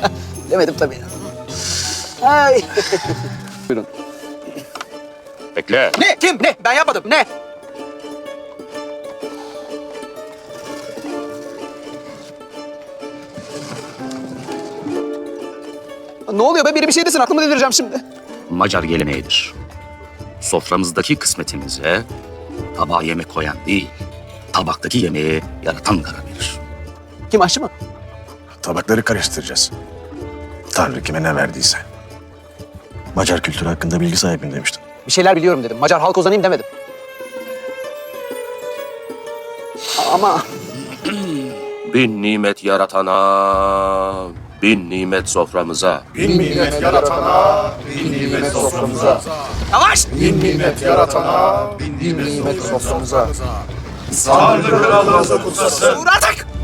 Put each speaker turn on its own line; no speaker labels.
Demedim tabii. Ay.
Buyurun. Bekle.
Ne? Kim? Ne? Ben yapmadım. Ne? Ne oluyor be? Biri bir şey desin. Aklımı delireceğim şimdi.
Macar geleneğidir. Soframızdaki kısmetimize tabağa yemek koyan değil, tabaktaki yemeği yaratan karar verir.
Kim, aşçı mı?
Tabakları karıştıracağız. Tanrı kime ne verdiyse. Macar kültürü hakkında bilgi sahibim demiştim.
Bir şeyler biliyorum dedim. Macar halk ozanıyım demedim. Ama
Bin nimet yaratana, bin nimet soframıza.
Bin nimet yaratana, bin nimet soframıza.
yavaş!
Bin nimet yaratana, bin nimet soframıza. Tanrı kralımızı kutsasın.
Dur artık!